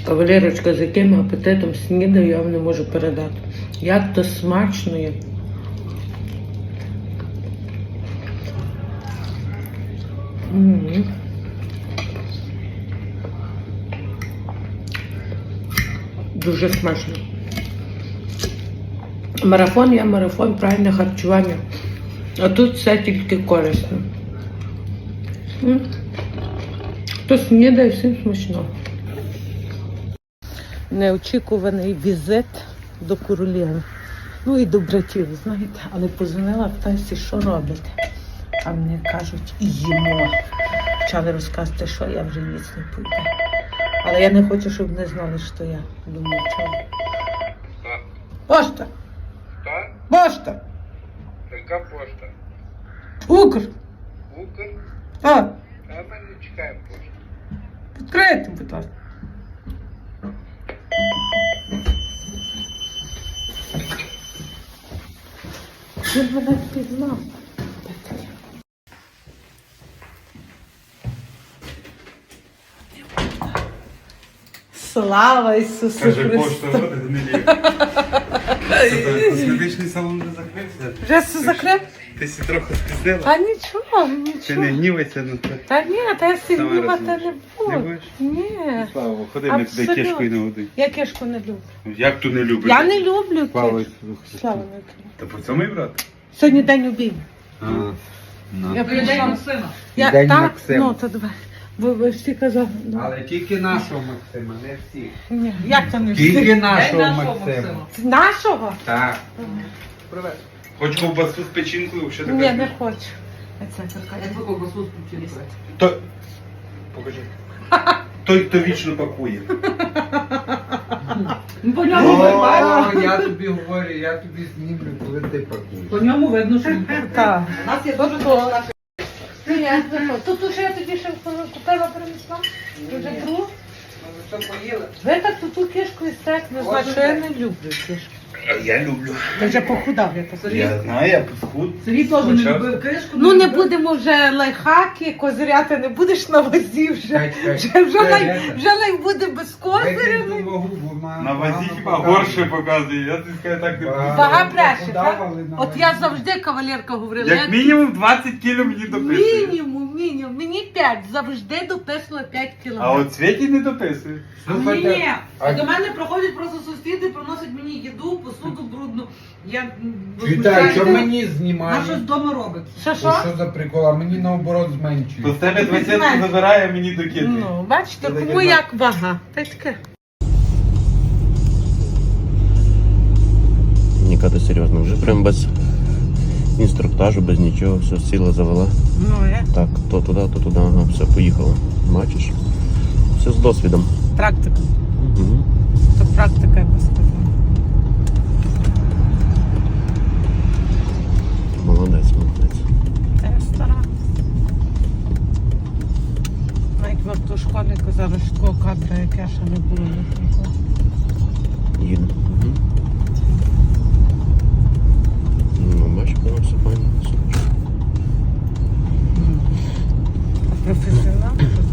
Кавалерочка, з яким апетитом снідаю, я вам не можу передати. Як то смачно є. Дуже смачно. Марафон є марафон, правильне харчування. А тут все тільки корисно. Хто снідає, всім смачно. Неочікуваний візит до королєви. Ну і до братів, знаєте. Але позвонила, питаюся, що робите. А мені кажуть, їмо. Почали розказувати, що я вже ніц не пойду. Але я не хочу, щоб вони знали, що я. Думаю, чого. Пошта! Що? Пошта! Яка пошта? Укр! Укр? А, А ми не чекаємо пошту. відкрийте, будь ласка. Він мене впізнав. Слава Ісусу Каже, Христу! пошта води не ліє. Косметичний салон не закрився. Вже все закрив? Ти сі трохи спізнила. Та нічого, Ти нічого. не гнівайся на це. Та ні, та я Сама сігнівати не розумієш. буду. Не будеш? Ні. Слава, ходи, ми тебе Абсолютно. кішкою не годин. Я кішку не люблю. Як то не любиш? Я не люблю Слава кішку. Ісусу Христу. Слава не люблю. Та по цьому і брат? Сьогодні день обійму. Я прийшла. День Так, Максима. ну то давай. Ви всі казали. Ну, Але тільки нашого Максима, не всіх. ні, як то не Тільки всі? нашого Максима. Нашого? Так. Хоч ковбасу з печінкою, що ти Ні, кажеш? не хочу. Оце така. Якби ковбасу з печінкою. То... Покажи. Той, хто вічно пакує. Ну, по ньому видно, О, я тобі говорю, я тобі знімлю, коли ти пакуєш. по ньому видно, що він Так. У нас є дуже хороша. Тут уже я тоді ще купила, принесла. Вже другу. Що поїли? Ви так ту кішку і стек не знаю, що я не люблю кішку. Я люблю. Ти вже похудав, я так. Я знаю, я посхуд. Сергій теж не любив кишку. Ну не будемо вже лайфхаки, козиряти не будеш на вазі вже. Вже лай буде без козиря. На вазі хіба горше показує. Я тобі скажу так не буду. Вага бреше, так? От я завжди кавалерка говорила. Як мінімум 20 кіло мені дописує. Мінімум. Мені 5. Завжди дописувала 5 А кілограмів. от Світі не дописує. Ні, а до мене проходять просто сусіди, приносять мені їду, посуду брудну. Я Вітаю, що возмущаюся. мені Вона знімає? щось вдома робить. Що? Що за прикол? А мені наоборот То зменшує. з тебе 20 забирає, а мені докидує. Ну, бачите, Це кому таке, як вага. Та й таке. Нікати серйозно, вже прям без інструктажу, без нічого, все сіла, завела. Ну, я. Так, то туди, ага, все, поїхала. Бачиш? Все з досвідом. Практика. Угу. То практика, я би сказала. Молодець. Та я стара. Навіть в автошколі казали, що такого кадра, як я, ще не було ніколи. Їду. Угу. Ну, бачиш, воно все файно, супер. А професіонал?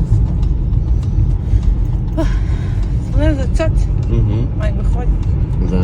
Вони за цьоці. Угу. Май виходять. Зараз.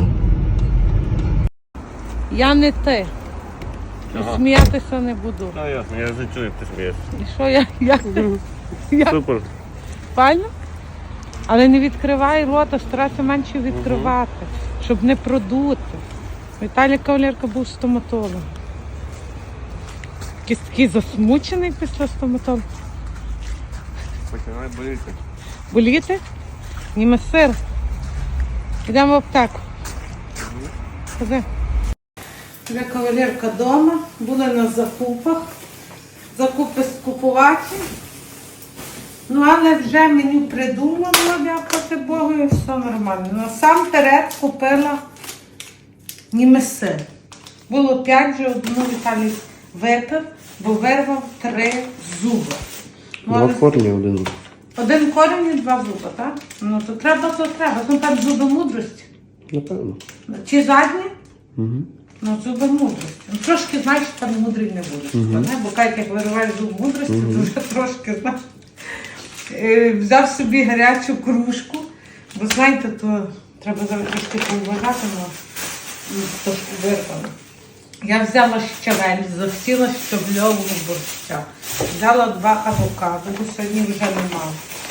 Я не ти. І сміятися не буду. Ну, ясно, я вже чую, як ти смієш. І що я? Супер. Файно? Але не відкривай рота, старайся менше відкривати, щоб не продути. Віталій кавалерка був стоматолог. Якийсь такий засмучений після стоматолога. Починає боліти. Боліти? Німе сир. Йдемо в аптеку. Ходи. Вже кавалерка вдома, були на закупах. Закупи скупувати. Ну, але вже меню придумала, дякувати Богу, і все нормально. Насамперед купила німе сир. Було 5, вже одну Віталій випив, бо вирвав 3 зуби. Ну, Два але корні, один зуб. один корінь і 2 зуби, так? Ну, то треба. Ну, там зуби мудрості. Напевно. Чи задні? Угу. Ну, зуби мудрості. Ну, трошки, знаєш, там мудрий не будеш. Бо як вириваєш зуб мудрості, то вже трошки, знаєш. Взяв собі гарячу кружку, Ви знаєте, то треба зараз трошки поуважати, але трошки вирвано. Я взяла щавель, засіла щавльового борща. Взяла 2 авокадо, бо сьогодні вже немає.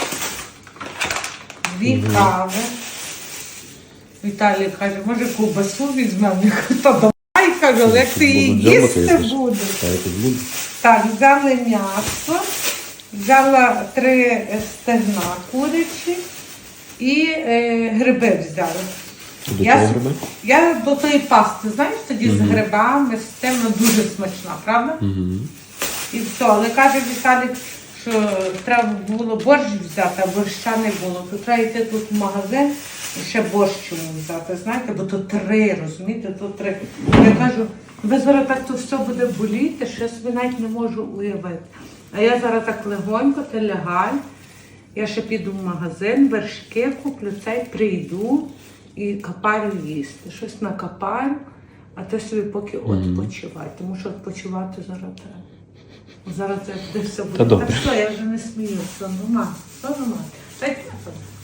2 кави. Віталій каже, може ковбасу візьмемо? Я кажу, та давай, кажу, але як ти її їсти будеш? Так, взяли м'ясо, взяла 3 стегна курячі і гриби взяла. До чого гриби? Я до тої пасти, знаєш, тоді з грибами, з тим, вона дуже смачна, правда? І все, але каже Віталік, що треба було борщ взяти, а борща не було. То треба йти тут в магазин і ще борщ йому взяти, знаєте, бо то 3, розумієте, то 3. Я кажу, ви зараз так то все буде боліти, що я собі навіть не можу уявити. А я зараз так легонько, ти лягай, я ще піду в магазин, вершки куплю, цей прийду і капарю їсти. Щось накапарю, а ти собі поки відпочивай, тому що відпочивати зараз треба. Зараз це буде все буде. Та добре. Так що, я вже не сміюся, нормально, все нормально. Та й